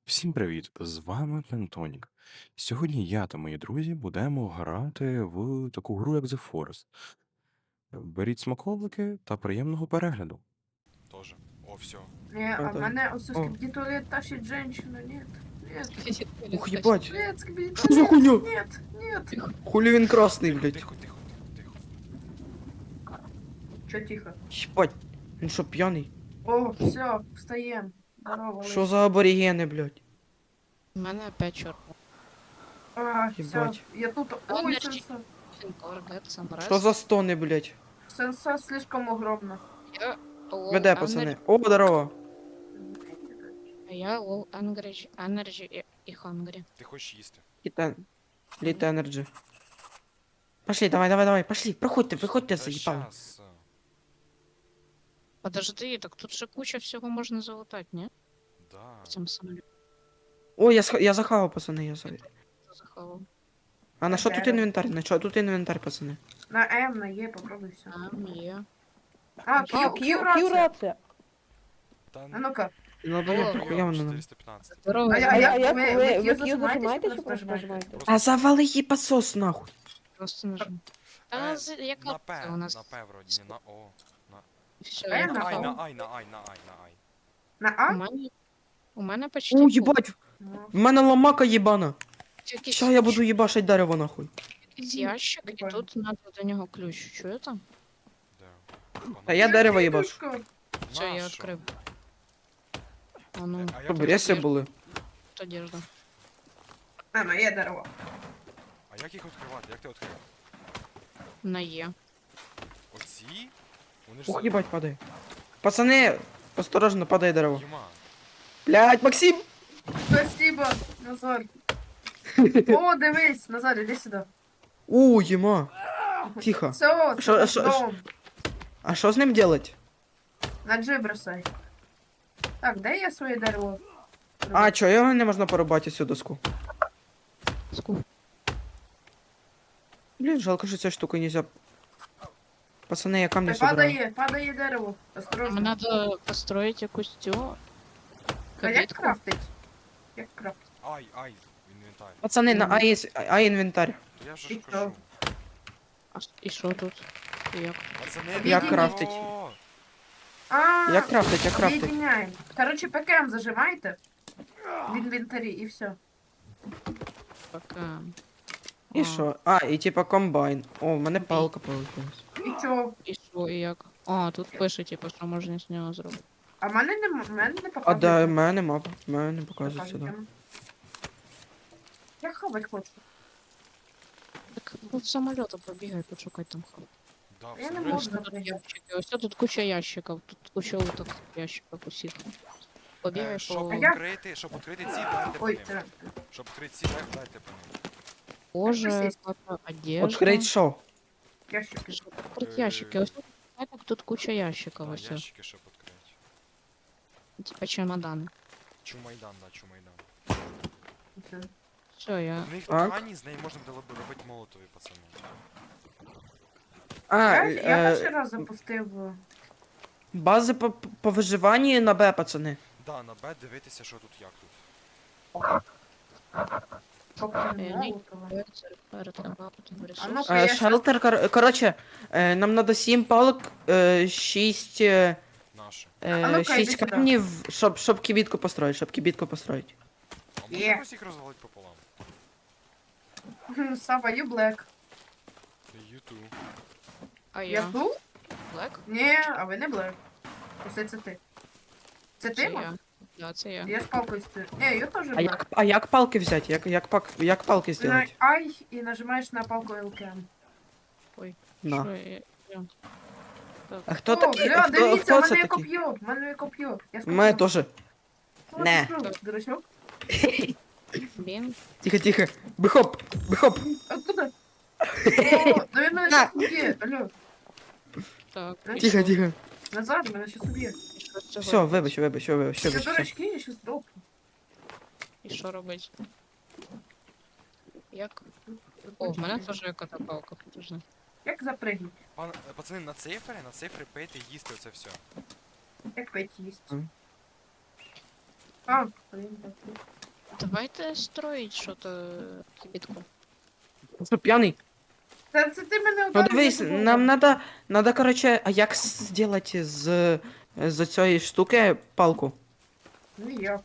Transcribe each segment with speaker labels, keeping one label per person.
Speaker 1: Всім привіт! З вами Пентонік. Сьогодні я та мої друзі будемо грати в таку гру, як The Forest. Беріть смаколики та приємного перегляду.
Speaker 2: Тоже. О, все.
Speaker 3: Не, а в
Speaker 4: Это-
Speaker 3: мене ось
Speaker 4: О.
Speaker 3: скибиди туалет тащит женщину, нет. Нет.
Speaker 4: Ух, ебать!
Speaker 3: Нет, скибиди
Speaker 4: Что за
Speaker 3: туалет.
Speaker 4: хуйня?
Speaker 3: Нет, нет.
Speaker 4: Хули він красний,
Speaker 2: Тихо,
Speaker 4: блядь?
Speaker 2: тихо, тихо, тихо.
Speaker 3: Чё тихо?
Speaker 4: Ебать, він що, п'яний?
Speaker 3: О, все, встаем. Здорово,
Speaker 4: Що за аборігени, блядь?
Speaker 5: У мене опять чорт.
Speaker 3: А, все,
Speaker 4: Ебать.
Speaker 3: я тут. Ой,
Speaker 5: Подожди.
Speaker 3: сенса.
Speaker 4: Що за стони, блядь?
Speaker 3: Сенса слишком огромна.
Speaker 4: Веде, пацани. О, здорово.
Speaker 5: Я low energy і hungry.
Speaker 2: Ти хочеш їсти.
Speaker 4: Літ Energy. Пошли, давай, пошли, проходьте, виходьте,
Speaker 2: Та
Speaker 4: заїбали.
Speaker 2: щас.
Speaker 5: Подожди, так тут же куча всього можна залутати, ні?
Speaker 2: Да.
Speaker 5: В цьому самоліті
Speaker 4: О, я захавав, пацани, я за...
Speaker 5: заховав.
Speaker 4: А на що тут інвентар? На що тут інвентар, пацани?
Speaker 3: На М, на Е, попробуй все.
Speaker 5: Там є.
Speaker 3: А, Q рация.
Speaker 2: Та
Speaker 3: А ну-ка.
Speaker 4: Ну,
Speaker 5: О,
Speaker 4: блядь, нахуя воно нам?
Speaker 2: 415.
Speaker 5: Здорово.
Speaker 3: А як ви Q зажимаєте, чи просто нажимаєте?
Speaker 2: Просто
Speaker 4: А завали її посос, нахуй.
Speaker 5: Просто нажму. Та яка
Speaker 2: на
Speaker 5: це
Speaker 2: П,
Speaker 5: у нас?
Speaker 2: на П вроді, не на О.
Speaker 5: Все,
Speaker 3: П
Speaker 5: я
Speaker 3: на
Speaker 2: На Ай,
Speaker 5: заховав.
Speaker 2: на Ай, на Ай, на Ай, на Ай.
Speaker 3: На
Speaker 5: У
Speaker 3: А?
Speaker 5: мене почти
Speaker 4: О,
Speaker 5: пол.
Speaker 4: їбать,
Speaker 3: Ну,
Speaker 4: в мене ламака їбана.
Speaker 5: Якийсь-
Speaker 4: Ща я буду їбашить дерево, нахуй.
Speaker 5: якийсь ящик, і
Speaker 3: Прикольно.
Speaker 5: тут треба до нього ключ. Чуєте?
Speaker 2: Де?
Speaker 4: А я дерево їбашу.
Speaker 3: Ігрушка.
Speaker 5: Все, я
Speaker 2: Нащо?
Speaker 5: відкрив. А ну,
Speaker 2: А як
Speaker 4: Щоб
Speaker 2: ти-
Speaker 4: реси були.
Speaker 5: тут одежда.
Speaker 3: А, на Е дерево.
Speaker 2: А як їх відкривати? Як ти відкрив?
Speaker 5: На Є.
Speaker 2: Оці? Вони ж
Speaker 4: Ох, їбать, падає. Пацани, осторожно, падає дерево.
Speaker 2: Юма.
Speaker 4: Блядь, Максим!
Speaker 3: Спасибо, Назар. О, дивись, Назар, іди сюди.
Speaker 4: У, єма. Тихо.
Speaker 3: Все,
Speaker 4: Шо-
Speaker 3: це
Speaker 4: шо-
Speaker 3: дом.
Speaker 4: А що з ним делать?
Speaker 3: На G бросай. Так, де я своє дерево?
Speaker 4: А, чо, його не можна порубати цю доску?
Speaker 5: Скуп.
Speaker 4: Блін, жалко, що цю штуку нельзя. Пацани, я камні собираю.
Speaker 3: Падає дерево.
Speaker 5: Нам
Speaker 3: Осторожно.
Speaker 5: надо построить якусь цю
Speaker 3: А як
Speaker 5: калітку.
Speaker 3: крафтить? Як крафтить?
Speaker 2: Ай, інвентар.
Speaker 4: Пацани, на А інвентар.
Speaker 2: То я вже
Speaker 3: І
Speaker 2: ж
Speaker 3: що?
Speaker 2: кажу.
Speaker 5: І що тут? І як?
Speaker 2: Пацани,
Speaker 3: Як
Speaker 2: відійдіть.
Speaker 4: крафтить?
Speaker 2: О,
Speaker 3: А,
Speaker 4: Як крафтить, як крафтить?
Speaker 3: об'єдняємо. Короче, ПКМ зажимайте. В інвентарі і все.
Speaker 5: Пока.
Speaker 4: І що? А, і типа комбайн. О, в мене палка получилась.
Speaker 3: І чо?
Speaker 5: І що, і як? А, тут пише, типу, що можна з нього зробити.
Speaker 3: А в мене не
Speaker 4: А
Speaker 3: показує.
Speaker 4: да, в мене мапа. В мене не показує сюди.
Speaker 3: Я хавать хочу.
Speaker 5: Так ну, в самоліта побігай, почукай там хаб.
Speaker 2: да,
Speaker 3: Я не
Speaker 2: все,
Speaker 3: можу.
Speaker 5: Ось тут ящики, ось тут куча ящиків, тут куча уток ящиків усіх. Побігай
Speaker 2: Щоб
Speaker 5: по...
Speaker 3: А я-
Speaker 2: відкрити, ці, дайте по
Speaker 3: Ой,
Speaker 2: ним.
Speaker 3: це.
Speaker 2: Щоб відкрити ці, дайте по ним.
Speaker 5: Боже,
Speaker 3: Якось
Speaker 5: яка одежда.
Speaker 4: Открить що?
Speaker 3: Ящики.
Speaker 5: Щоб відкрити ящики, ось тут, знаєте, тут куча ящиків,
Speaker 2: Да,
Speaker 5: ось.
Speaker 2: ящики, щоб відкрити.
Speaker 5: Типа чемодани.
Speaker 2: Чумайдан, да, чумайдан.
Speaker 3: Все.
Speaker 5: Все, я...
Speaker 2: У них
Speaker 4: Так.
Speaker 2: ткані, з неї можна було б робити молотові, пацани.
Speaker 4: А,
Speaker 3: Я перший раз запустив.
Speaker 4: бази по виживанню на Б, пацани.
Speaker 2: Да, на Б дивитися, що тут, як тут.
Speaker 5: ні.
Speaker 3: А ну-ка, я щас-
Speaker 4: Шелтер, короче, нам надо 7 палок, 6,
Speaker 2: Наші.
Speaker 3: ну-ка,
Speaker 4: 6
Speaker 3: йди сюди.
Speaker 4: камнів, щоб кибітку построить.
Speaker 2: А можна
Speaker 3: Є.
Speaker 2: якось їх розвалити пополам?
Speaker 3: Сава, you black.
Speaker 2: Юту.
Speaker 5: А
Speaker 3: Я
Speaker 5: я?
Speaker 3: тут?
Speaker 5: Блек?
Speaker 3: Ні, а ви не black. Усе це ти. Це
Speaker 5: Це
Speaker 3: ти, Мак?
Speaker 5: я. Да, це я.
Speaker 3: Я з палкою стою. Ні, я теж
Speaker 4: А
Speaker 3: black.
Speaker 4: як палки взяти? Як палки
Speaker 3: На
Speaker 4: зробити?
Speaker 3: I і нажимаєш на палку LKM.
Speaker 4: На.
Speaker 5: Що я?
Speaker 4: А хто
Speaker 3: О,
Speaker 4: такий?
Speaker 3: бля, дивіться,
Speaker 4: Хто
Speaker 3: в
Speaker 4: це
Speaker 3: мене є
Speaker 4: такий?
Speaker 3: коп'є, в мене є коп'є. Я
Speaker 4: У мене
Speaker 3: скоп'ю.
Speaker 4: теж.
Speaker 3: Що
Speaker 4: Не.
Speaker 3: ти зробив, дурачок?
Speaker 5: Блін.
Speaker 4: Тихо. Бихоп.
Speaker 3: Откуда? О, да він мене
Speaker 4: На.
Speaker 3: щас уб'є, алло.
Speaker 5: Так. і
Speaker 4: Тихо,
Speaker 5: що?
Speaker 4: тихо.
Speaker 3: Назад, мене щас уб'є.
Speaker 5: І що з цього
Speaker 4: Все,
Speaker 5: робить?
Speaker 4: вибач.
Speaker 3: Це
Speaker 4: все.
Speaker 3: дурачки, я щас допну.
Speaker 5: І що робить? Як? О, в мене теж яка-то палка, подожди.
Speaker 3: Як запригнуть?
Speaker 2: Пацани, на цифри пийте, їсти оце все.
Speaker 3: Як пить їсть?
Speaker 4: Мгм.
Speaker 3: А, блін, так.
Speaker 5: Давайте строить що-то кибітку.
Speaker 4: Що, п'яний?
Speaker 3: Це ти мене
Speaker 4: Ну
Speaker 3: ударив,
Speaker 4: дивись,
Speaker 3: я забула.
Speaker 4: нам надо, короче, а як зробити з цієї штуки палку?
Speaker 3: Ніяк.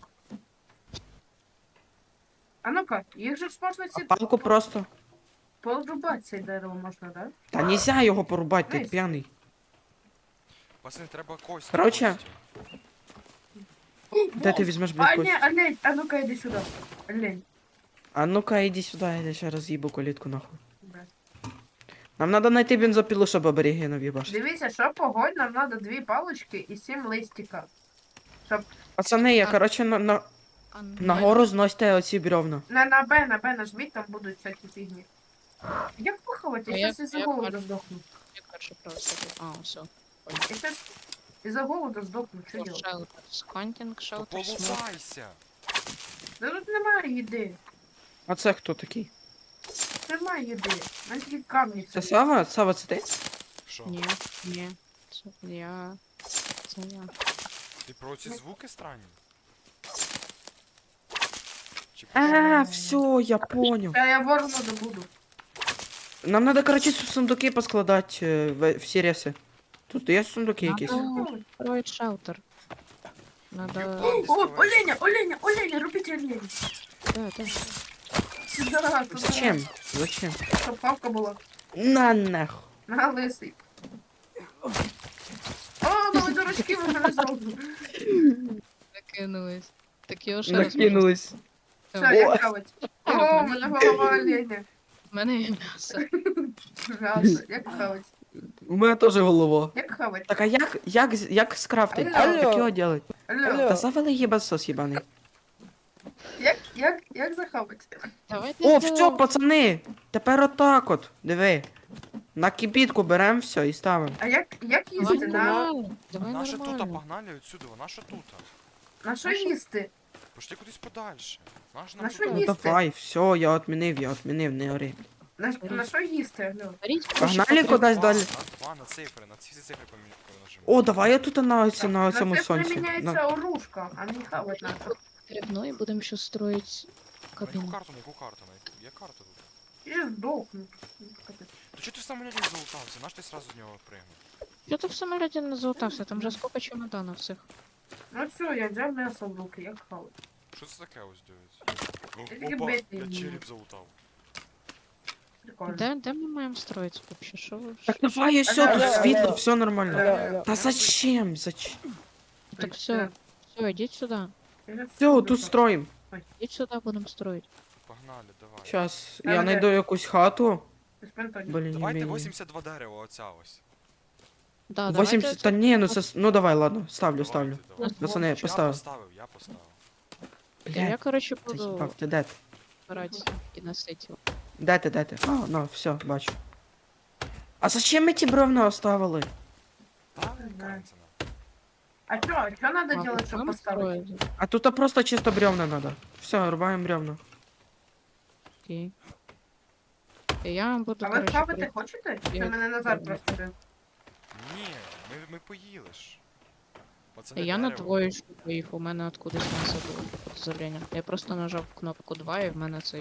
Speaker 3: А ну-ка, їх же ж можна
Speaker 4: А
Speaker 3: ці...
Speaker 4: палку просто.
Speaker 3: Порубати це дерево можна, да?
Speaker 4: Та нельзя його порубати, ти
Speaker 3: Дивись.
Speaker 4: п'яний.
Speaker 2: Пацани, треба кость.
Speaker 4: Короче,
Speaker 2: кості.
Speaker 4: Де ти візьмеш,
Speaker 3: А,
Speaker 4: блядь,
Speaker 3: ні,
Speaker 4: кость?
Speaker 3: олень, а ну-ка іди сюди. Олень.
Speaker 4: А ну-ка, іди сюди, я ще раз їбу калітку нахуй.
Speaker 3: Бля.
Speaker 4: Нам надо знайти бензопілу, щоб аборігенів їбашити.
Speaker 3: Дивіться, що погодь, нам треба 2 палочки і 7 листика.
Speaker 4: Пацани, я,
Speaker 5: А-
Speaker 4: короче,
Speaker 5: А
Speaker 4: нагору зносьте оці бревна.
Speaker 3: На Б нажміть, там будуть всякі фігні. Як поховати?
Speaker 5: А
Speaker 3: Я
Speaker 5: як-
Speaker 3: зараз із-за
Speaker 5: як
Speaker 3: голоду
Speaker 5: бачу?
Speaker 3: здохну.
Speaker 5: Як перше просто. А, все.
Speaker 3: Я зараз із-за голоду здохну, що делать?
Speaker 5: Shelters. Hunting
Speaker 2: То
Speaker 5: shelters. smoke.
Speaker 2: полутайся.
Speaker 3: Да тут немає їди.
Speaker 4: А це хто такий?
Speaker 3: Немає їди. У мене тільки камні.
Speaker 4: Це
Speaker 3: всі.
Speaker 4: Сава? Сава, це ти?
Speaker 2: Що?
Speaker 5: Ні, ні. Це я. Це я.
Speaker 2: Ти про ці звуки странні? Чи
Speaker 4: А, все, я понял.
Speaker 3: Та я ворона добуду.
Speaker 4: Нам надо, короче, сундуки поскладати в сіреси. Тут є сундуки якісь?
Speaker 5: Строить шелтер. Надо...
Speaker 3: О, оленя, робіть оленя.
Speaker 5: Да, да.
Speaker 3: Сюда, туди.
Speaker 4: Зачем? Зачем?
Speaker 3: Щоб палка була.
Speaker 4: На нахуй.
Speaker 3: На лисий. О, нові дурачки ви мене зробили.
Speaker 5: Накинулись. Так його ще раз
Speaker 4: Накинулись.
Speaker 3: Що,
Speaker 5: можна-
Speaker 3: як хавать? О, у мене голова оленя.
Speaker 5: В мене є м'ясо.
Speaker 3: М'ясо, як хавать?
Speaker 4: У мене теж голова.
Speaker 3: Як хавать?
Speaker 4: Так а як скрафтить?
Speaker 3: Алло.
Speaker 4: Як його делать?
Speaker 3: Алло,
Speaker 4: Та завали їбасос їбаний.
Speaker 3: як захавать?
Speaker 5: Давайте
Speaker 4: О, все,
Speaker 5: зробимо-
Speaker 4: пацани! Тепер отак от. Диви. На кибітку беремо все і ставимо.
Speaker 3: А як
Speaker 5: Давай
Speaker 3: їсти?
Speaker 5: нормально. Давай
Speaker 2: Наша тута
Speaker 5: нормально.
Speaker 2: погнали отсюди, наша тута.
Speaker 3: На що їсти?
Speaker 2: Пошли кудись подальше. Наша
Speaker 3: На
Speaker 2: нам
Speaker 3: що
Speaker 2: тута.
Speaker 4: Ну
Speaker 3: їсти?
Speaker 4: давай, все, я відмінив, не ори.
Speaker 3: На що їсти, алло?
Speaker 5: Беріть
Speaker 4: Погнали
Speaker 5: гроші,
Speaker 4: кудись
Speaker 2: Два,
Speaker 4: далі.
Speaker 2: на цифри, на ці цифри нажимай.
Speaker 4: О, давай я тут на
Speaker 3: На
Speaker 4: цьому
Speaker 3: це
Speaker 4: сонці.
Speaker 3: приміняється оружка, а не хавать надо.
Speaker 5: потрібно і будемо ще строїти
Speaker 2: На яку
Speaker 5: кабіну.
Speaker 2: карту, на яку карту? Є карта тут?
Speaker 3: І здохну.
Speaker 2: То чого ти в самоліті залутався? Наш ти сразу з нього пригнув?
Speaker 5: Що ти в самоліті не залутався? Там же скільки чемоданів всіх.
Speaker 3: Ну все, я взяв м'ясо в руки, як хавать.
Speaker 2: Що це таке ось дивиться?
Speaker 3: Тільки
Speaker 2: Опа,
Speaker 3: бити
Speaker 2: я
Speaker 3: вмію.
Speaker 2: череп залутав.
Speaker 3: Прикольно.
Speaker 5: Де ми маємо строїти вообще? Що ви?
Speaker 4: Так давай, все, тут
Speaker 3: Алло,
Speaker 4: світло,
Speaker 3: алло.
Speaker 4: все нормально.
Speaker 3: Алло.
Speaker 4: Та зачем? Зачем?
Speaker 5: Так все, все, ідіть сюди.
Speaker 4: Все, тут строим.
Speaker 5: Ідіть сюди, будемо строїти.
Speaker 2: Погнали, давай.
Speaker 4: Сейчас,
Speaker 3: Там
Speaker 4: я
Speaker 3: де?
Speaker 4: знайду якусь хату. Блін, не
Speaker 2: Давайте
Speaker 4: вмію.
Speaker 2: 82 дерева, оця ось.
Speaker 5: Да,
Speaker 4: 80, та ні, ну це, ну давай, ладно, ставлю.
Speaker 2: Давайте.
Speaker 4: Пацани,
Speaker 2: Я
Speaker 4: поставив.
Speaker 2: я поставив.
Speaker 5: Я,
Speaker 4: Блядь,
Speaker 5: коротше,
Speaker 4: це
Speaker 5: буду
Speaker 4: їбав, ти де ти?
Speaker 5: збирати і носити його.
Speaker 4: Де ти? А, ну, все, бачу. А зачем ми ті бревна оставили?
Speaker 2: Так,
Speaker 3: знаю.
Speaker 2: кажеться.
Speaker 3: А что надо
Speaker 5: А,
Speaker 3: делать, чтобы
Speaker 5: будемо
Speaker 3: поставить?
Speaker 5: строїти?
Speaker 4: А тут просто чисто бревна надо. Все, рубаємо бревна.
Speaker 5: Окей. І я буду,
Speaker 3: А ви
Speaker 5: коротше,
Speaker 3: хавати хочете? Це
Speaker 5: Я-
Speaker 3: мене Назар просто бив.
Speaker 2: Ні, ми поїли ж. Пацани,
Speaker 5: Я на
Speaker 2: дерево.
Speaker 5: двоєчку поїхав, у мене откудись м'ясо було подозріння. Я просто нажав кнопку 2 і в мене цей.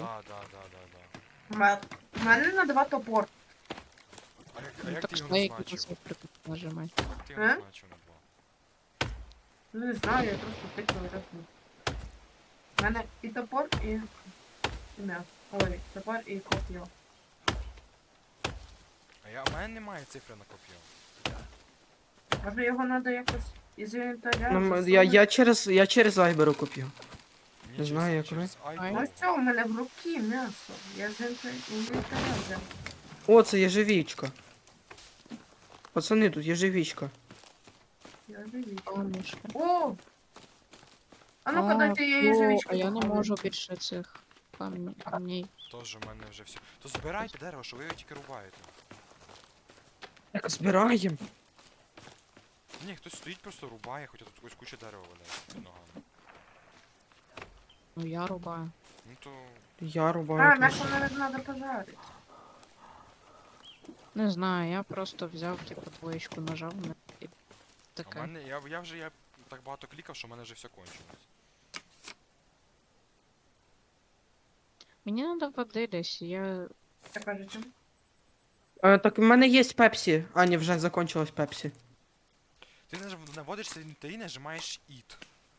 Speaker 2: Да.
Speaker 3: У мене на 2 топор.
Speaker 2: А як
Speaker 5: Ну,
Speaker 2: ти
Speaker 5: так
Speaker 2: його
Speaker 5: що я
Speaker 2: назначив?
Speaker 5: цифри нажимай.
Speaker 2: Як ти його
Speaker 3: Е?
Speaker 2: назначив на 2?
Speaker 3: Ну не знаю, я просто тикаю разну. У мене і топор, і м'ясо. Ой, топор і коп'ю.
Speaker 2: А у мене немає цифри на коп'ю.
Speaker 3: Може його треба якось із інвентаря
Speaker 4: Ну,
Speaker 3: засунути?
Speaker 4: я через айберу купив.
Speaker 2: Ні,
Speaker 4: Не знаю, як
Speaker 2: через
Speaker 5: Ай.
Speaker 2: iPhone.
Speaker 3: Ну все, у мене в руки м'ясо. Я з інвентаря взяв.
Speaker 4: О, це єжевічка. Пацани, тут єжевічка.
Speaker 3: Я дивіться.
Speaker 5: О, мишка.
Speaker 3: О! А ну-ка
Speaker 5: А,
Speaker 3: дайте я
Speaker 5: о,
Speaker 3: ежевичку.
Speaker 5: А я не можу більше цих камней.
Speaker 2: Тож у мене вже все. То збирайте дерево, що ви його тільки рубаєте.
Speaker 4: Так, збираємо.
Speaker 2: Ні, хтось стоїть, просто рубає, хоча тут ось куча дерева валяється під ногами.
Speaker 5: Ну я рубаю.
Speaker 2: Ну то.
Speaker 4: Я
Speaker 3: А,
Speaker 4: рубаю.
Speaker 3: мясо,
Speaker 4: теж.
Speaker 3: наверное, надо пожарить.
Speaker 5: Не знаю, я просто взяв, типу, двоєчку нажав на і
Speaker 2: А в
Speaker 5: таке.
Speaker 2: мене, я так багато клікав, що в мене вже все кончилось.
Speaker 5: Мені треба води десь, я...
Speaker 3: Так кажете.
Speaker 4: Так в мене є пепсі. А, ні, вже закончилось пепсі.
Speaker 2: Ти наводишся в інвентарі, нажимаєш EAT.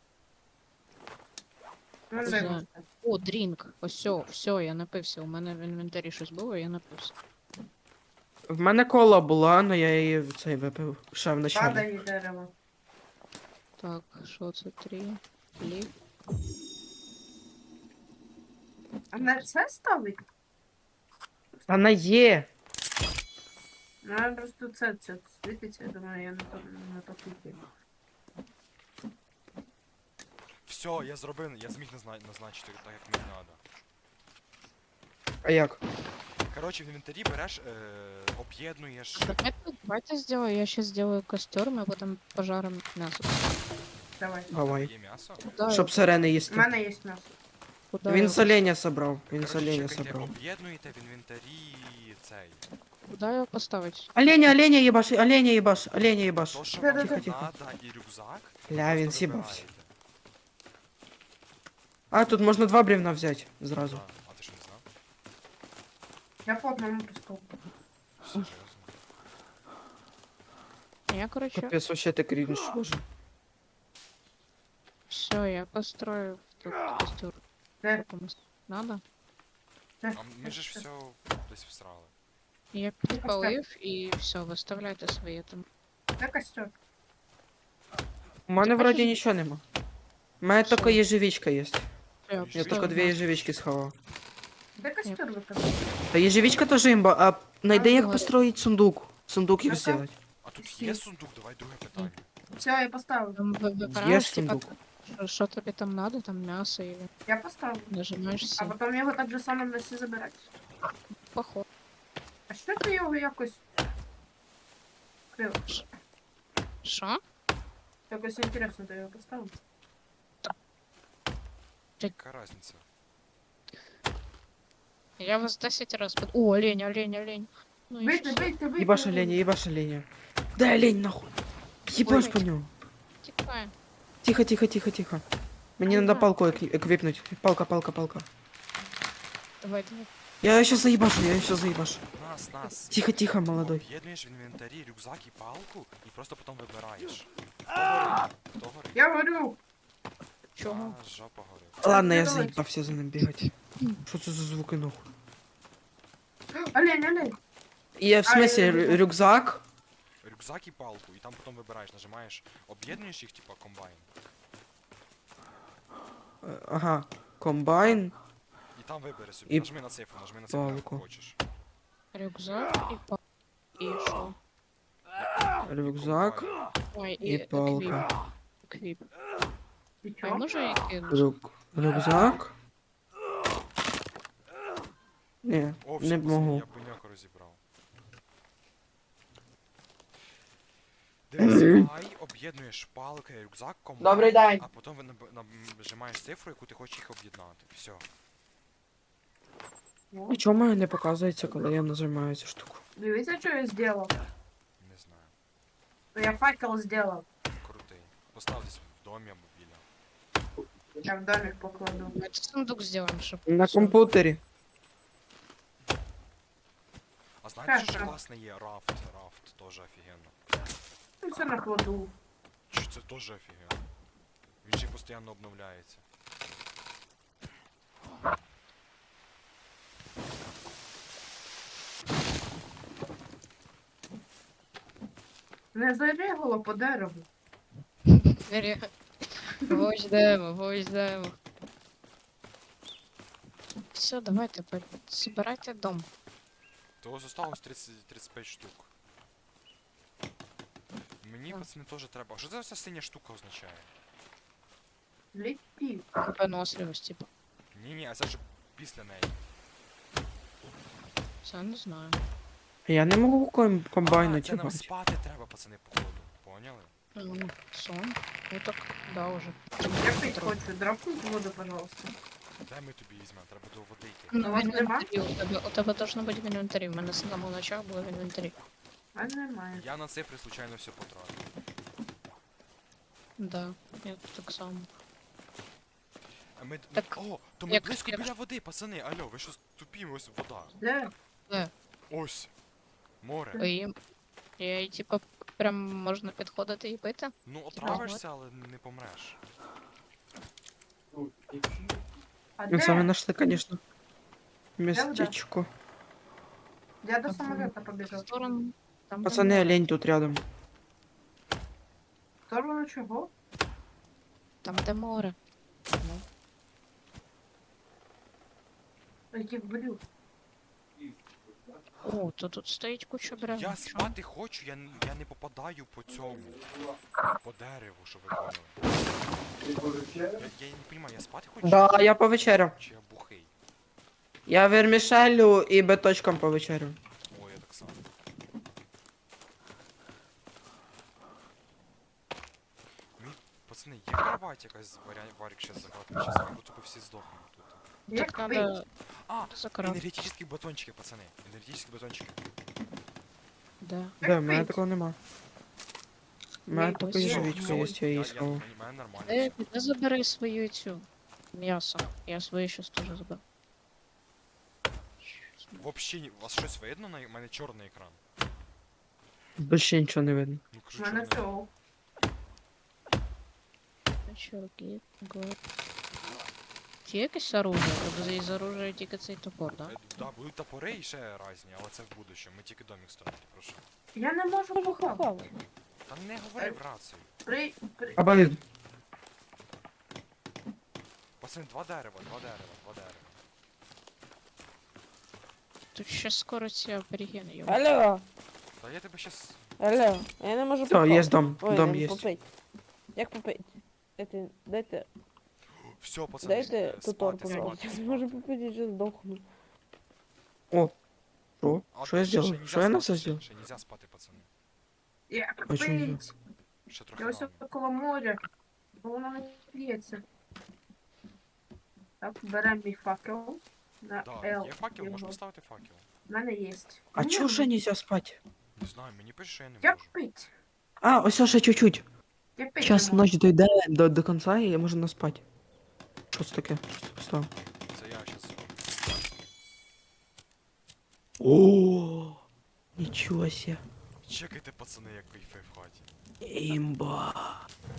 Speaker 3: Ну,
Speaker 2: Оце.
Speaker 3: дай
Speaker 5: Знаю.
Speaker 3: мені.
Speaker 5: О, дрінк. Ось, все, я напився. У мене в інвентарі щось було, я напився.
Speaker 4: В мене кола була, але я її в цей випив ще в началі.
Speaker 3: Падає дерево.
Speaker 5: Так, що це? 3. Лів.
Speaker 3: А на це ставить?
Speaker 4: Вона є.
Speaker 3: Ну, я просто це світиться, я думаю, я на то клікаю.
Speaker 2: Все, я зробив, я зміг назначити так, як мені треба.
Speaker 4: А як?
Speaker 2: Коротше, в інвентарі береш, об'єднуєш.
Speaker 5: Давайте сделаю, я сейчас сделаю костер, мы потом пожарим мясо.
Speaker 3: Давай.
Speaker 4: Давай.
Speaker 2: Є м'ясо.
Speaker 5: Куда,
Speaker 4: Щоб сирени
Speaker 3: У
Speaker 4: їсти.
Speaker 3: мене є м'ясо.
Speaker 5: куда
Speaker 4: Він
Speaker 5: его-
Speaker 4: з оленя собрав. Він з
Speaker 2: Коротше,
Speaker 4: оленя
Speaker 2: чекайте,
Speaker 4: собрав.
Speaker 2: об'єднуєте в інвентарі цей.
Speaker 5: Куда его поставить?
Speaker 4: Оленя їбаш, оленя їбаш, оленя їбаш.
Speaker 2: То, що
Speaker 3: Тихо,
Speaker 2: вам
Speaker 3: тихо,
Speaker 4: тихо.
Speaker 2: треба, і рюкзак.
Speaker 4: Бля, він
Speaker 2: просто
Speaker 4: сібався.
Speaker 2: вибираєте.
Speaker 4: А, тут можна 2 брівна взяти зразу.
Speaker 2: Да. А ти що не знав?
Speaker 3: Я по одному пусту.
Speaker 2: Серйозно.
Speaker 5: Я, короче,
Speaker 4: Капець, вообще ти крінж, боже.
Speaker 5: все, я построю тут костер.
Speaker 3: Де?
Speaker 5: Комусь надо?
Speaker 3: Де?
Speaker 2: А ми же ж все десь всрали.
Speaker 5: Я підпалив і все, виставляйте свої там.
Speaker 3: Де костер?
Speaker 4: У мене
Speaker 5: Ти
Speaker 4: вроді
Speaker 5: хочеш-
Speaker 4: нічого нема. У мене
Speaker 5: Що?
Speaker 4: тільки єжевичка є.
Speaker 5: Все,
Speaker 4: Я
Speaker 2: Єжевичка?
Speaker 4: тільки 2 єжевички сховав.
Speaker 3: Де костер викопав?
Speaker 4: Та єжевичка теж імба, а найди як
Speaker 5: говорю.
Speaker 4: построїть сундук. Сундук їх
Speaker 3: Ну-ка.
Speaker 4: зробити.
Speaker 2: А тут є сундук, давай друге питання.
Speaker 3: Все, я поставив.
Speaker 5: Там вибираєш, типа,
Speaker 4: сундук.
Speaker 5: що тобі там надо, там м'ясо і
Speaker 3: Я поставив.
Speaker 5: нажимаєш
Speaker 3: А
Speaker 5: все.
Speaker 3: потім його так же само на всі забирати.
Speaker 5: Поход.
Speaker 3: А що ти його якось... Крив?
Speaker 5: Що?
Speaker 3: Якось інтересно ти його поставив.
Speaker 2: Яка разниця?
Speaker 5: Я вас 10 раз под... О, олень, олень, олень. Ну і
Speaker 3: Вийти,
Speaker 5: що?
Speaker 3: вийти, вийти.
Speaker 4: Їбаш оленя, їбаш оленя. Дай олень нахуй. Їбаш
Speaker 5: Ой.
Speaker 4: по ньому.
Speaker 5: Тікає.
Speaker 4: Тихо, тихо, тихо, тихо. Мені
Speaker 5: Ага.
Speaker 4: треба палку еквіпнуть. Палка, палка, палка.
Speaker 5: Давай, давай.
Speaker 4: Я ще заїбашу, я ще заїбашу.
Speaker 2: Нас.
Speaker 4: Тихо, тихо, молодой.
Speaker 2: Об'єднуєш в інвентарі рюкзак і палку, і просто потім вибираєш. Хто горить? Хто горить?
Speaker 3: Я говорю.
Speaker 5: Чого?
Speaker 2: А, жопа горить.
Speaker 4: Ладно, я
Speaker 3: давай.
Speaker 4: заїбався за ним бігати. Що це за звуки нахуй?
Speaker 3: Олень, олень.
Speaker 4: І в смысле рюкзак?
Speaker 2: Рюкзак і палку, і там потім вибираєш, нажимаєш, об'єднуєш їх, типа комбайн.
Speaker 4: Ага. Комбайн.
Speaker 2: І там вибери собі.
Speaker 4: І
Speaker 2: Нажми на цифру, яку
Speaker 4: палку.
Speaker 2: хочеш.
Speaker 5: Рюкзак і палка. І що?
Speaker 4: Рюкзак
Speaker 2: Комбайн.
Speaker 5: Ой,
Speaker 4: і палка.
Speaker 5: Еквіп.
Speaker 3: Ти
Speaker 5: А
Speaker 3: чо?
Speaker 5: може я кину?
Speaker 4: Рюкзак. Ні,
Speaker 2: О, все,
Speaker 4: не
Speaker 2: пацани,
Speaker 4: можу.
Speaker 2: я буйняк розібрав. Дивись, ай, об'єднуєш палки, рюкзак, комбайн.
Speaker 3: Добрий день.
Speaker 2: А потім ви нажимаєш цифру, яку ти хочеш їх об'єднати. Все.
Speaker 4: І чому мене не показується, коли я нажимаю цю штуку?
Speaker 3: Дивіться, що я зробив?
Speaker 2: Не знаю.
Speaker 3: Я факел зробив.
Speaker 2: Крутий. Постав десь в домі або біля.
Speaker 3: Я в домик покладу.
Speaker 5: Давайте сундук зробимо, щоб...
Speaker 4: На
Speaker 5: все.
Speaker 4: комп'ютері.
Speaker 2: А знаєте, що ще
Speaker 3: Хорошо.
Speaker 2: класне є? Рафт. Рафт теж офігенно.
Speaker 3: Ну, все накладу.
Speaker 2: Чи це теж офігенно? Він ще й постійно обновляється.
Speaker 3: Не зарігало по дереву.
Speaker 5: Вождемо. Все, давайте, собирайте дом.
Speaker 2: Того зосталось 35 штук. Мені,
Speaker 5: Так.
Speaker 2: пацани, теж треба. Що це вся синя штука означає?
Speaker 3: Летів.
Speaker 5: Виносливість, типу.
Speaker 2: Ні, а це ж після неї.
Speaker 5: Це не знаю.
Speaker 4: Я не можу комбайну
Speaker 2: Це нам
Speaker 4: тягати.
Speaker 2: спати треба, пацани, походу. Поняли?
Speaker 5: Ну, сон. Ну так, да, уже.
Speaker 3: Я пить хочу. Драпнуть воду, пожалуйста.
Speaker 2: Де ми тобі візьмемо? Треба до води йти.
Speaker 5: Ну,
Speaker 3: У
Speaker 5: в
Speaker 3: вас нема?
Speaker 5: інвентарі. У тебе должно бути в інвентарі. В мене з самого начала було в інвентарі.
Speaker 3: А немає.
Speaker 2: Я на цифри случайно все потратив.
Speaker 5: Да, я так само.
Speaker 2: А ми...
Speaker 5: Так,
Speaker 2: О, то ми
Speaker 5: як-
Speaker 2: близько
Speaker 5: як-
Speaker 2: біля води, пацани. Алло, ви що тупі, ось вода.
Speaker 3: Де?
Speaker 2: Ось. Море.
Speaker 5: І типа прям можна підходити і пити?
Speaker 2: Ну, отравишся, але не помреш.
Speaker 3: А
Speaker 4: Ну, це ми
Speaker 3: де?
Speaker 4: знайшли, звісно. Местечко.
Speaker 3: Я до
Speaker 5: В
Speaker 3: самолета побіжав.
Speaker 5: сторону. Там, де
Speaker 4: Пацани,
Speaker 5: море.
Speaker 4: олень тут рядом.
Speaker 3: В сторону чого?
Speaker 5: Там, де море. Ну,
Speaker 3: Яких блюд?
Speaker 5: О, то тут стоїть куча бревен.
Speaker 2: Я
Speaker 5: Що?
Speaker 2: спати хочу, я не попадаю по цьому. По дереву, щоб ви поняли. Я не розумію, я спати хочу?
Speaker 4: Да, я повечеряв.
Speaker 2: Чи я бухий?
Speaker 4: Я вермішелю і беточком повечерю.
Speaker 2: Ой, я так само. Пацани, є кровать якась варік ще загадка, щас ми тупо всі здохнемо тут.
Speaker 3: Як
Speaker 5: Так
Speaker 3: пить?
Speaker 5: надо
Speaker 2: А,
Speaker 5: закрат.
Speaker 2: енергетичні батончики, пацани. Енергетичні батончики.
Speaker 5: Да.
Speaker 3: Як
Speaker 4: Да, в мене
Speaker 3: пить?
Speaker 4: такого нема. У мене
Speaker 5: Ні,
Speaker 4: тільки
Speaker 5: ось
Speaker 4: ежевичка є, я її
Speaker 2: в
Speaker 4: сховав.
Speaker 2: мене нормально.
Speaker 5: Де забери свою цю м'ясо. Я своє щас теж заберу.
Speaker 2: Вообще, у вас щось видно? У мене чорний екран.
Speaker 4: Більше нічого не видно.
Speaker 2: Ну
Speaker 3: У
Speaker 2: кажу,
Speaker 3: мене
Speaker 2: чорний.
Speaker 3: цього.
Speaker 5: Чуваки, год. Є якесь оружие? Тобто із оружия тільки цей топор, да?
Speaker 2: Да, будуть топори і ще різні, але це в будущому. Ми тільки домик строїти, прошу.
Speaker 3: Я не можу похавати.
Speaker 2: Та не говори в рацію.
Speaker 3: При...
Speaker 4: Або
Speaker 2: Пацани, два дерева.
Speaker 5: Тут ще скоро ці аборігени його.
Speaker 6: Алло,
Speaker 2: Та я тебе щас...
Speaker 6: алло, я не можу
Speaker 4: все, є дом.
Speaker 6: Ой,
Speaker 4: Дом
Speaker 6: не
Speaker 4: є.
Speaker 6: попить. Як попить? Дайте
Speaker 2: Все, пацани,
Speaker 6: тутор,
Speaker 2: спати,
Speaker 6: пожалуйста.
Speaker 2: спати,
Speaker 6: Не можу
Speaker 2: спати.
Speaker 6: попить, я сейчас сдохну.
Speaker 4: О, що?
Speaker 2: А,
Speaker 4: Що я
Speaker 2: ще
Speaker 4: зробив?
Speaker 2: нельзя
Speaker 4: Що я на
Speaker 2: спати,
Speaker 4: це зробив?
Speaker 2: Ще нельзя спати, пацани.
Speaker 3: Як
Speaker 4: А чому ні?
Speaker 3: пить?
Speaker 2: Ще трохи
Speaker 3: Я ось
Speaker 2: рано.
Speaker 3: коло моря. Бо воно не п'ється. Так, беремо мій факел. На
Speaker 2: Да,
Speaker 3: L.
Speaker 2: є факел, можеш
Speaker 3: його.
Speaker 2: поставити факел.
Speaker 3: У мене є.
Speaker 4: А чого ще нельзя спати?
Speaker 2: Не знаю, мені пише, що я не
Speaker 3: Як
Speaker 2: можу.
Speaker 3: пить?
Speaker 4: А, ось ще чуть-чуть.
Speaker 3: Я пить
Speaker 4: Час
Speaker 3: не можу.
Speaker 4: ночь дойде до кінця і можна спати. Що це таке? Що це поставив?
Speaker 2: Це я щас...
Speaker 4: О, нічого себе.
Speaker 2: Чекайте, пацани, як кайфе в хаті.
Speaker 4: Імба.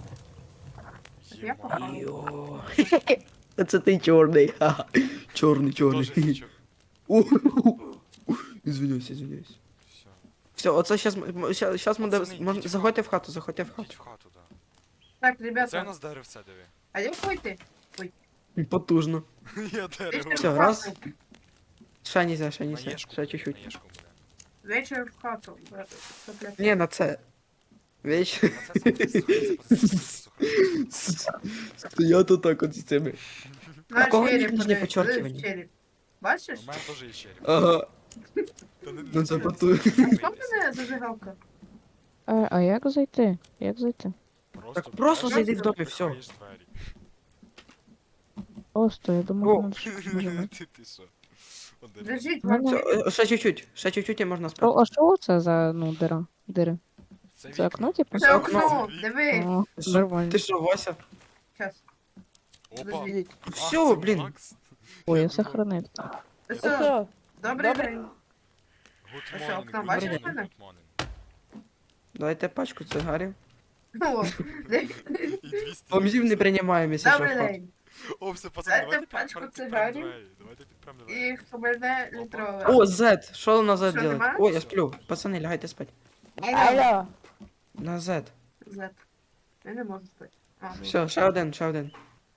Speaker 3: Я
Speaker 2: Єма.
Speaker 3: похавала.
Speaker 4: Йо. Це ти чорний. ха-ха. Чорний,
Speaker 2: Тоже
Speaker 4: чорний.
Speaker 2: нічого.
Speaker 4: Извиняюсь, извиняюсь.
Speaker 2: Все.
Speaker 4: Все, оце щас ми
Speaker 2: Пацани,
Speaker 4: можна
Speaker 2: йдіть в
Speaker 4: заходьте в хату, заходьте в
Speaker 2: Йдіть
Speaker 4: хату.
Speaker 2: в хату, да.
Speaker 3: Так,
Speaker 2: Це у
Speaker 3: ребята,
Speaker 2: нас деревце, диви.
Speaker 3: а як пойти?
Speaker 4: Потужно.
Speaker 2: Я дерево.
Speaker 4: Все, раз. Ще нельзя,
Speaker 2: На
Speaker 4: ще
Speaker 2: єшку
Speaker 4: чуть-чуть.
Speaker 2: буде.
Speaker 3: Вечір в хату. Сопляки.
Speaker 4: Не, на це. Віч.
Speaker 2: На це слухай,
Speaker 4: Стоять отак от з цими.
Speaker 3: На
Speaker 4: в кого
Speaker 3: череп,
Speaker 4: нижнє
Speaker 3: подивись,
Speaker 4: почеркування?
Speaker 3: подивись, череп. Бачиш?
Speaker 2: У мене теж є череп.
Speaker 4: Ага.
Speaker 2: Та не-
Speaker 4: Ну це потужно.
Speaker 3: Що в мене зажигалка?
Speaker 5: А як зайти? Як зайти?
Speaker 4: Так просто
Speaker 2: береш,
Speaker 4: зайди в домі, все.
Speaker 2: відкриєш двері.
Speaker 5: Просто, я
Speaker 4: О.
Speaker 5: думав, надо щось нажимати.
Speaker 2: Ти що? Один.
Speaker 3: Лежить
Speaker 5: Ну,
Speaker 3: вам
Speaker 5: ну.
Speaker 3: череп.
Speaker 4: Ще чуть-чуть і можна спати.
Speaker 5: А що це за, ну, дира? Дири? Це
Speaker 2: вікна.
Speaker 5: окно, типу?
Speaker 3: Це
Speaker 4: окно.
Speaker 3: окно, диви.
Speaker 5: О,
Speaker 4: Ти що-
Speaker 5: нормально.
Speaker 4: Ти що, Вася?
Speaker 3: Щас.
Speaker 2: Опа.
Speaker 3: Лежить.
Speaker 2: А,
Speaker 4: Все,
Speaker 2: це
Speaker 4: блін.
Speaker 2: Макс.
Speaker 5: Ой, я
Speaker 2: думав,
Speaker 5: сохранив.
Speaker 3: Все,
Speaker 6: Все,
Speaker 3: добрий
Speaker 6: Добре.
Speaker 3: день.
Speaker 2: Good
Speaker 3: Ось
Speaker 2: morning,
Speaker 3: окно,
Speaker 2: good
Speaker 3: бачиш
Speaker 2: morning,
Speaker 3: мене?
Speaker 2: good morning.
Speaker 4: Дайте пачку цигарів.
Speaker 3: О,
Speaker 2: І 200.
Speaker 4: Бомжів не приймаємо, якщо що в
Speaker 3: добрий
Speaker 4: хату.
Speaker 3: день.
Speaker 2: О, все, пацани,
Speaker 3: Дайте
Speaker 2: давайте
Speaker 3: пачку
Speaker 2: підпрем
Speaker 3: цигарів.
Speaker 2: двері. Давайте підпрем двері.
Speaker 3: І хабальне літрове.
Speaker 4: О, Z. Що на Z
Speaker 3: Що,
Speaker 4: делать?
Speaker 3: нема?
Speaker 4: О, я сплю. Пацани, лягайте спати.
Speaker 6: алло.
Speaker 4: На Z.
Speaker 3: Зет. Я не можу спати. А, ну.
Speaker 4: Все, ще один.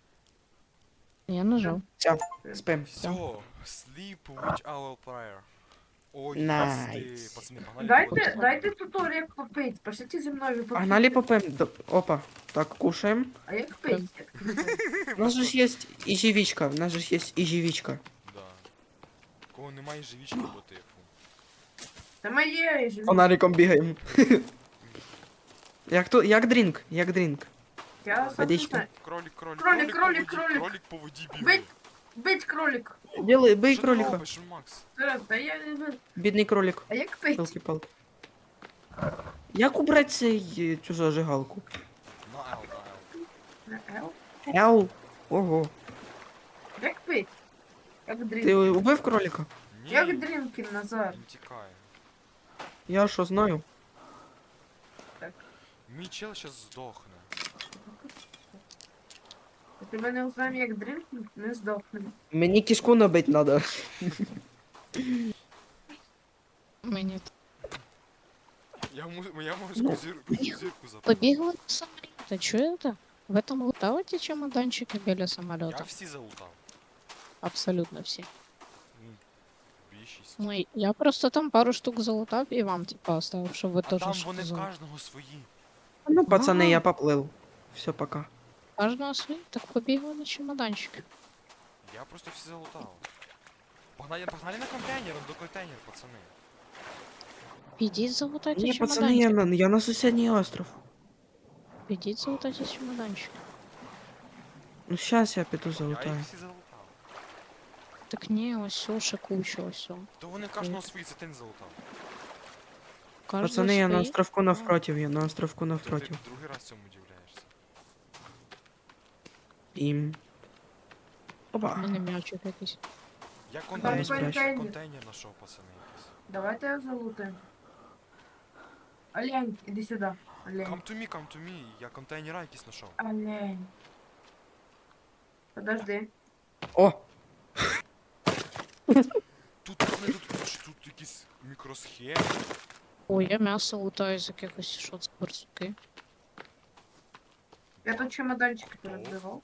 Speaker 5: Я нажав.
Speaker 4: Спим.
Speaker 2: Все, sleep with our prayer. Ой,
Speaker 4: Найс.
Speaker 2: пацани, погнали.
Speaker 3: Дайте туторіал попить. Пошліть зі мною попити.
Speaker 4: Погнали попим. Опа. Так, кушаем.
Speaker 3: А як пить?
Speaker 4: У нас же ж есть ежевичка. У нас же ж есть ежевичка.
Speaker 2: Да. Кого немає живічки, бо ти, фу.
Speaker 3: Та моє ж.
Speaker 4: Фонариком бігаємо. Як дрінк, як дрінк.
Speaker 3: Я сам не
Speaker 4: Водичка.
Speaker 3: знаю.
Speaker 2: Кролик
Speaker 3: Кролик,
Speaker 2: по воді,
Speaker 3: кролик.
Speaker 2: кролик по воді бігає.
Speaker 3: Бить. Бить кролик.
Speaker 4: Бий
Speaker 2: Що ти
Speaker 4: кролика.
Speaker 2: робиш, Макс?
Speaker 3: Зараз, та я не знаю.
Speaker 4: Бідний кролик.
Speaker 3: А як пить?
Speaker 4: Палки-палки. Як убрати цю зажигалку?
Speaker 2: На L, на L.
Speaker 3: На L?
Speaker 4: Ел. Ого.
Speaker 3: Як пить? Як
Speaker 4: Ти
Speaker 3: дрінкін.
Speaker 4: убив кролика?
Speaker 2: Ні,
Speaker 3: Як дрінкін, Назар.
Speaker 2: він тікає.
Speaker 4: Я що знаю?
Speaker 2: Мій чел щас здохне.
Speaker 3: А тебе не узнаємо, як дрінкін, не здохне.
Speaker 4: Мені кишку набить надо.
Speaker 5: Мені
Speaker 2: Я можу зірку забрати.
Speaker 5: побігли на самоліт. Чуєте? Ви там лутали ті чемоданчики біля
Speaker 2: Я
Speaker 5: самоліта?
Speaker 2: всі залутав.
Speaker 5: Абсолютно всі.
Speaker 2: Ну, більшість.
Speaker 5: Ну, і я просто там пару штук залутав і вам, типа, оставив, щоб ви
Speaker 2: А
Speaker 5: теж
Speaker 2: там
Speaker 5: щось
Speaker 2: вони в
Speaker 5: взяли.
Speaker 2: кожного свої.
Speaker 4: Ну, пацани,
Speaker 5: Ага.
Speaker 4: я поплив. Все, пока.
Speaker 5: Кожного свій, так побігли на чемоданчики.
Speaker 2: Я просто всі залутав. Погнали на контейнер, до контейнер, пацани.
Speaker 5: Підіть залутайте
Speaker 4: Ні, пацани,
Speaker 5: чемоданчики.
Speaker 4: я на сусідній остров.
Speaker 5: Підіть залутайте чемоданчики.
Speaker 4: Ну, щас я піду
Speaker 2: Я
Speaker 4: залутаю.
Speaker 2: їх всі залутав.
Speaker 5: Так ні, ось ще куча, ось.
Speaker 2: То вони в кожного свої, це ти не залутав.
Speaker 4: Пацани, я на островку навпротив, я на островку
Speaker 2: Ти
Speaker 4: навпротив.
Speaker 2: другий раз цьому удивляєшся.
Speaker 4: Ім.
Speaker 5: У
Speaker 4: Опа.
Speaker 5: мене м'ячик якийсь.
Speaker 2: Я
Speaker 3: Там
Speaker 2: контейнер знайшов, пацани, якийсь.
Speaker 3: Давайте я залутаємо. Олень, іди сюди. Олень.
Speaker 2: Come to me, я контейнера якісь знайшов.
Speaker 3: Олень. Подожди.
Speaker 4: О!
Speaker 2: Тут, пацани, тут якісь мікросхеми.
Speaker 5: Ой, я м'ясо лутаю з якихось, що це барсуки.
Speaker 3: Я тут чемоданчики порозбивав.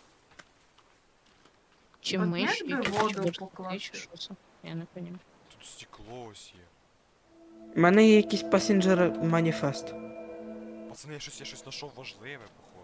Speaker 5: Чи
Speaker 3: От
Speaker 5: миші,
Speaker 3: як би
Speaker 5: якісь
Speaker 3: воду
Speaker 5: барсуки,
Speaker 3: покласти?
Speaker 5: чи що це? Я не розумію.
Speaker 2: Тут стекло ось є.
Speaker 4: У мене є якийсь пасенджер маніфест.
Speaker 2: Пацани, я щось знайшов важливе, походу.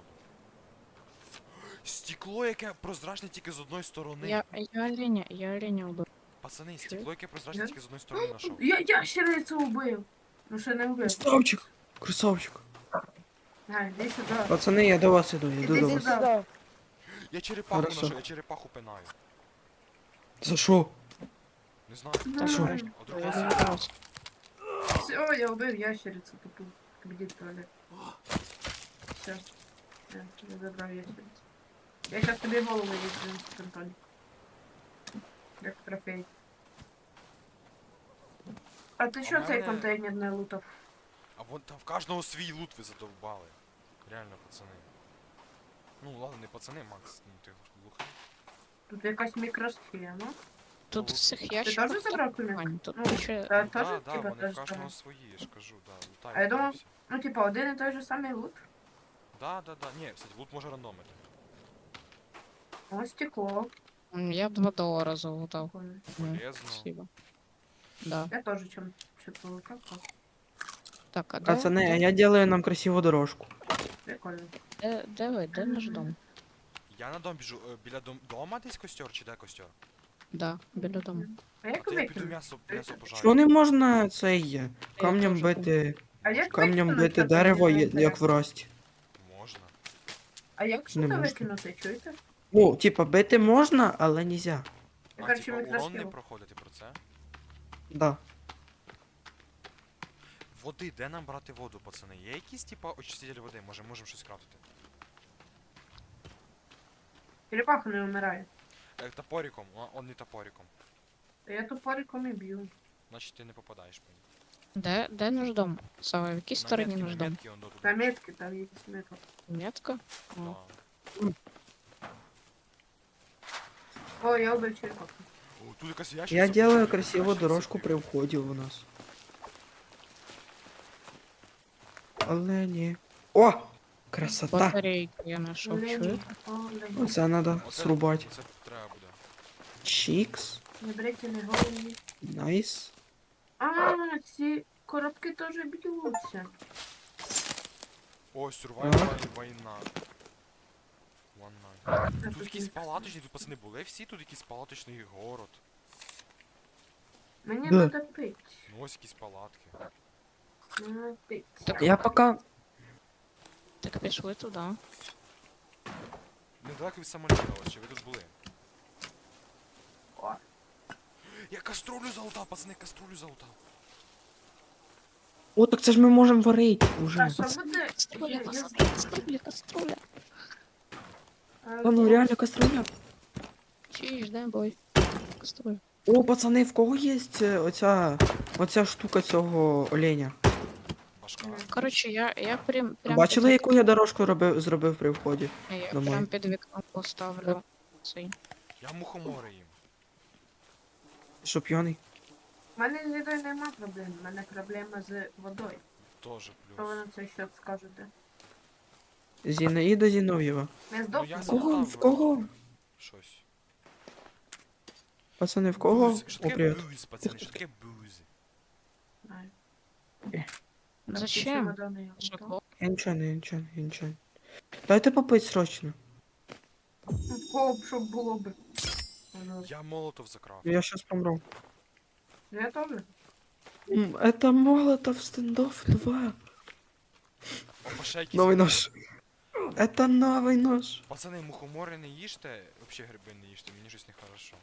Speaker 2: Стекло, яке прозрачне тільки з одної сторони.
Speaker 5: Я оленя убив.
Speaker 2: Пацани, стекло, яке прозрачне
Speaker 3: Я?
Speaker 2: тільки з одної сторони знайшов.
Speaker 3: Я ящерицю убив. Ну ще не вбив.
Speaker 4: Красавчик! Красавчик!
Speaker 3: А, іди сюди.
Speaker 4: Пацани, я до вас іду, я йду
Speaker 3: Іди
Speaker 4: до вас.
Speaker 3: сюди.
Speaker 6: Сюда.
Speaker 2: Я черепаху
Speaker 4: Хорошо.
Speaker 2: знайшов, я черепаху пинаю.
Speaker 4: За що?
Speaker 2: Не знаю.
Speaker 5: Та
Speaker 4: що?
Speaker 2: А вдруг
Speaker 5: Я
Speaker 2: я
Speaker 5: не
Speaker 2: сі-
Speaker 5: грався.
Speaker 3: Все, я убив ящерицю тупу. Іди в туалет. Все. Я забрав ящерицю. Я зараз тобі голову відкрию, Антоні. Як трофей. А ти що
Speaker 2: А в
Speaker 3: цей
Speaker 2: мене-
Speaker 3: контейнер не лутав?
Speaker 2: А вон там в кожного свій лут ви задовбали. Реально, пацани. Ну ладно, не пацани, Макс, ну ти глухий.
Speaker 3: Тут якась мікросхема.
Speaker 5: Тут в цих
Speaker 3: Ти
Speaker 5: ящиках...
Speaker 3: теж забрав кулек?
Speaker 5: Вань, тут
Speaker 3: Ну,
Speaker 5: куча...
Speaker 3: та
Speaker 2: Да,
Speaker 3: теж
Speaker 2: да,
Speaker 3: типа
Speaker 2: вони
Speaker 3: теж
Speaker 2: в кожного
Speaker 3: забрав.
Speaker 2: свої, я ж кажу, да, лутають.
Speaker 3: А я думав-
Speaker 2: всі.
Speaker 3: Ну, типа, один і той же самий лут.
Speaker 2: Да. Ні, кстати, лут може рандомити.
Speaker 3: Ось стекло.
Speaker 5: Я б $2 залутав.
Speaker 3: Прикольно.
Speaker 2: Полезно.
Speaker 5: Спасибо. Да.
Speaker 3: Я теж чим-то лутав.
Speaker 5: Так, а де,
Speaker 4: Пацани, а я делаю нам красиву дорожку.
Speaker 3: Прикольно.
Speaker 5: де ви? Де наш дом?
Speaker 2: Я на дом біжу. Біля дома десь костер чи де костер?
Speaker 5: Да, біля дому.
Speaker 3: А
Speaker 2: А
Speaker 3: як
Speaker 2: то я піду
Speaker 3: викинути?
Speaker 2: м'ясо пожарю.
Speaker 4: Що не можна цей камнем
Speaker 5: теж
Speaker 4: бити,
Speaker 3: А як
Speaker 4: камнем
Speaker 3: викинути
Speaker 4: бити
Speaker 3: це
Speaker 4: дерево,
Speaker 3: мені
Speaker 4: як в
Speaker 3: інтересно?
Speaker 4: рості?
Speaker 2: Можна.
Speaker 3: А як
Speaker 4: Не
Speaker 3: що
Speaker 4: можна.
Speaker 3: викинути, чуєте?
Speaker 4: Ну, типа, бити можна, але нельзя.
Speaker 3: Я,
Speaker 2: А,
Speaker 3: короче,
Speaker 2: типа, урон не
Speaker 3: мікросхему.
Speaker 2: проходити про це?
Speaker 4: Да.
Speaker 2: Води, де нам брати воду, пацани? Є якісь, типа, очиститель води? Може, можемо щось крафтити?
Speaker 3: Черепаха не вмирає.
Speaker 2: Топориком, он не топориком.
Speaker 3: Та я топориком і б'ю.
Speaker 2: Значить ти не попадаєш по ній.
Speaker 5: Де наш дом? Сава, в якій стороні наш дом?
Speaker 2: метки, он до
Speaker 3: На
Speaker 2: туди.
Speaker 3: метки там є метка.
Speaker 5: Метка?
Speaker 2: Да.
Speaker 3: О, я убив черепаху.
Speaker 2: О, тут якась ящиця.
Speaker 4: Я делаю
Speaker 2: прикольна,
Speaker 4: красиву
Speaker 2: ящиця
Speaker 4: дорожку при
Speaker 2: прикольна.
Speaker 4: вході у нас. Але ні. О! Красота!
Speaker 5: Батарейки я знайшов,
Speaker 3: Олень,
Speaker 5: чуєте?
Speaker 3: олень.
Speaker 4: Оце треба
Speaker 2: Оце-
Speaker 4: срубати.
Speaker 2: Це треба буде.
Speaker 4: Чікс.
Speaker 3: Не берете не головні.
Speaker 4: Найс.
Speaker 3: А, ці коробки теж б'ються.
Speaker 2: О,
Speaker 4: Ага.
Speaker 2: survival війна. One night. Тут якісь палаточні, тут пацани були всі, тут якийсь палаточний город.
Speaker 3: Мені
Speaker 4: Да.
Speaker 3: треба пити.
Speaker 2: Ну ось якісь палатки.
Speaker 3: Надо пити.
Speaker 5: Так.
Speaker 4: Я пока...
Speaker 5: Так пішли туди.
Speaker 2: Недалеко від самоліта, ось чи ви тут були?
Speaker 3: О.
Speaker 2: Я каструлю залутав, пацани, каструлю залутав.
Speaker 4: О, так це ж ми можемо варити
Speaker 3: А
Speaker 4: уже.
Speaker 3: що буде?
Speaker 5: Каструля,
Speaker 3: Я-
Speaker 5: пацани, каструля, каструля.
Speaker 3: А,
Speaker 4: Та ну реально каструля.
Speaker 5: Чиж, дай бой. Каструль.
Speaker 4: О, пацани, в кого є оця штука цього оленя?
Speaker 2: Башка.
Speaker 5: Коротше, я прям
Speaker 4: Бачили,
Speaker 5: під
Speaker 4: яку я дорожку зробив при вході?
Speaker 5: Я
Speaker 4: домой?
Speaker 5: прям під вікном поставлю цей.
Speaker 2: Я мухомори їм.
Speaker 4: Що п'яний?
Speaker 3: У мене з їдою нема проблем, у мене проблема з водою.
Speaker 2: Тоже
Speaker 3: Що ви
Speaker 2: плюс.
Speaker 3: на це що скажете?
Speaker 4: Зінаїда Зінов'єва.
Speaker 3: Не
Speaker 2: Ну,
Speaker 3: здохну.
Speaker 2: я
Speaker 4: В кого?
Speaker 2: згадав,
Speaker 4: В кого?
Speaker 2: Щось.
Speaker 4: Пацани, в кого?
Speaker 2: Буз. Що
Speaker 4: О,
Speaker 2: таке
Speaker 4: привіт.
Speaker 2: буз, пацани? Що таке буз?
Speaker 3: Знаю.
Speaker 5: Зачем?
Speaker 3: Чемодани я
Speaker 5: Що,
Speaker 3: готова.
Speaker 4: Я нічого. Дайте попить срочно.
Speaker 3: Ну, в кого б, щоб було б. Ну,
Speaker 2: Я молотов закрав.
Speaker 4: Я щас помру.
Speaker 3: я теж.
Speaker 4: Это Молотов стендов 2.
Speaker 2: Опа, ще якісь
Speaker 4: Новий
Speaker 2: гриби.
Speaker 4: нож. Это новий нож.
Speaker 2: Пацани, мухомори не їжте, вообще гриби не їжте, мені щось нехорошо.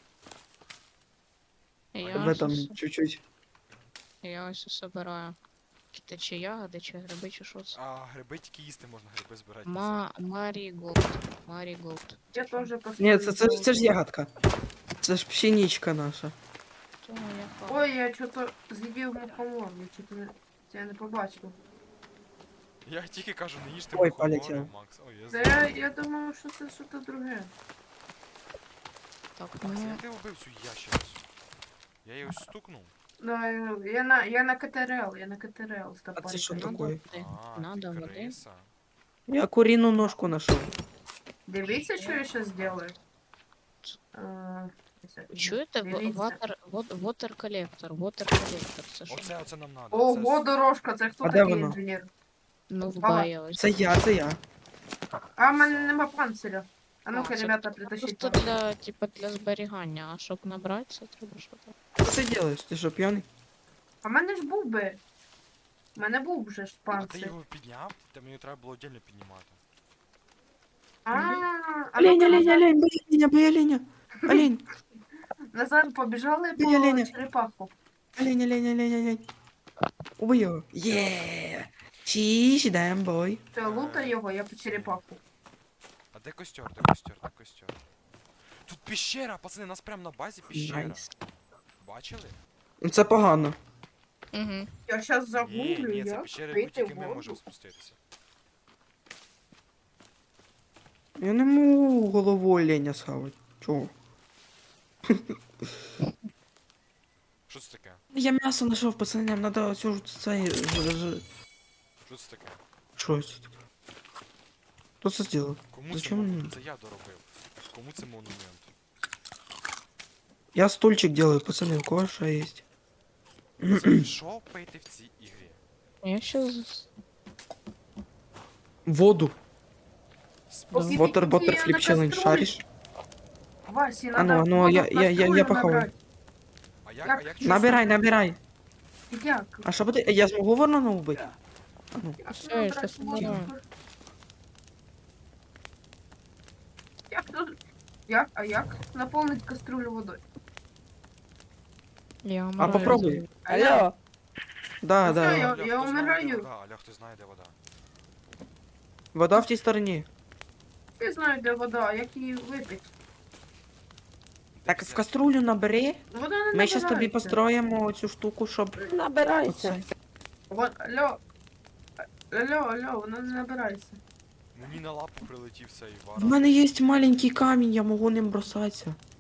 Speaker 4: В этом чуть-чуть.
Speaker 5: Я ось собираю. Це чи ягоди, чи гриби, чи що це?
Speaker 2: А гриби тільки їсти можна, гриби збирати.
Speaker 5: Маріголд. Маріголд.
Speaker 3: Я теж поставлю.
Speaker 4: Ні, це ж ягодка. Це ж пшеничка наша.
Speaker 5: То я
Speaker 3: Ой, я чого-то з'їдів мухомор, я чого-то я не побачив.
Speaker 2: Я тільки кажу, не їжте
Speaker 4: Ой,
Speaker 2: мухомори,
Speaker 4: полетів.
Speaker 2: Макс. Ой, я
Speaker 3: Та
Speaker 2: знаю.
Speaker 3: я думав, що це щось друге.
Speaker 5: Так,
Speaker 2: Макс,
Speaker 5: ну,
Speaker 2: як ти вбив цю ящерицю? Я її ось стукнув.
Speaker 3: Ну, я на КТРЛ, я на КТРЛ з
Speaker 4: А це що
Speaker 3: топориком.
Speaker 4: таке?
Speaker 2: А,
Speaker 5: Надо
Speaker 2: ти
Speaker 5: води.
Speaker 2: криса.
Speaker 4: Я куріну ножку нашов.
Speaker 3: Дивіться, що я зараз зроблю.
Speaker 5: Чуєте?
Speaker 3: Дивіться.
Speaker 5: Water колектор. Це що?
Speaker 2: Оце нам надо.
Speaker 3: Ого, дорожка, це хто
Speaker 4: А де
Speaker 3: такий
Speaker 4: воно?
Speaker 3: інженер?
Speaker 5: Ну, в
Speaker 3: Ага.
Speaker 5: баї ось.
Speaker 4: Це я.
Speaker 3: А, в мене нема панциря. А ну-ка,
Speaker 5: це
Speaker 3: ребята, притащіть.
Speaker 5: Просто для, типа, для зберігання, а щоб набрати, це треба що там.
Speaker 4: Що ти робиш? Ти що, п'яний?
Speaker 3: А в мене ж був би. У мене був вже ж
Speaker 2: А ти
Speaker 3: панцир.
Speaker 2: його підняв? Та мені треба було отдельно піднімати.
Speaker 3: А
Speaker 4: Олень,
Speaker 3: ну-ка,
Speaker 4: бей оленя. Олень,
Speaker 3: Назад побіжали
Speaker 4: Ні, Леня.
Speaker 3: по черепаху.
Speaker 4: олень. Убий його. Є. Чіш, даєм бой.
Speaker 3: Все, лутай його, я по черепаху.
Speaker 2: А де костер? Де костер? Тут пещера, пацани, нас прямо на базі пещера.
Speaker 4: Найс.
Speaker 2: Бачили?
Speaker 4: Ну це погано.
Speaker 5: Угу.
Speaker 3: Я зараз
Speaker 2: Ні,
Speaker 3: загуглю,
Speaker 2: ні, це
Speaker 3: як
Speaker 2: пещера, яку
Speaker 3: вийти
Speaker 2: тільки
Speaker 3: в
Speaker 2: ми
Speaker 3: воду.
Speaker 2: можемо спуститися.
Speaker 4: Я не можу голову оленя схавати. Чого?
Speaker 2: Що це таке?
Speaker 4: Я м'ясо знайшов, пацани, нам надо оцю це...
Speaker 2: Що це таке?
Speaker 4: Що це таке? Хто це зробив?
Speaker 2: Кому
Speaker 4: Зачем
Speaker 2: це
Speaker 4: мені?
Speaker 2: монумент? Це я доробив. Кому це монумент?
Speaker 4: Я стульчик делаю, пацаны, у кого что есть?
Speaker 2: Пацани, що пийти в цій ігрі?
Speaker 5: Я щас...
Speaker 4: Воду.
Speaker 3: Поки
Speaker 4: Water
Speaker 3: ти
Speaker 4: Butter
Speaker 3: на
Speaker 4: Flip Challenge,
Speaker 3: каструлі.
Speaker 4: шаришь?
Speaker 3: Васі,
Speaker 4: А ну,
Speaker 3: надо
Speaker 4: а ну,
Speaker 3: воду
Speaker 4: я-
Speaker 3: в
Speaker 4: я- я-
Speaker 3: каструлю
Speaker 4: я похаваю.
Speaker 3: набрати.
Speaker 2: А
Speaker 3: Як?
Speaker 2: як чувствую?
Speaker 4: Набирай.
Speaker 3: Як?
Speaker 4: А що буде? Я змогу воно убити?
Speaker 3: Як
Speaker 5: Все,
Speaker 3: набрати
Speaker 5: я щас
Speaker 3: воду?
Speaker 5: набираю.
Speaker 3: Як наповнити каструлю водою?
Speaker 5: Я
Speaker 4: А
Speaker 5: вмираю
Speaker 4: попробуй.
Speaker 5: за-
Speaker 6: Алло,
Speaker 4: Да,
Speaker 3: Ну,
Speaker 4: да.
Speaker 3: все,
Speaker 2: Аля,
Speaker 3: я
Speaker 2: хто знає, де
Speaker 3: вмираю.
Speaker 2: вода? Аля, хто знає, де вода?
Speaker 4: Вода в тій стороні.
Speaker 3: Всі знають, де вода, а як її випити?
Speaker 4: Так, в каструлю набери.
Speaker 3: Вода не
Speaker 4: Ми зараз тобі
Speaker 3: набирається.
Speaker 4: построїмо цю штуку, щоб...
Speaker 6: набирайся.
Speaker 3: Алло, вона не набирається.
Speaker 2: Мені на лапу прилетів цей
Speaker 4: В
Speaker 2: варан.
Speaker 4: мене є маленький камінь, я можу ним бросатися.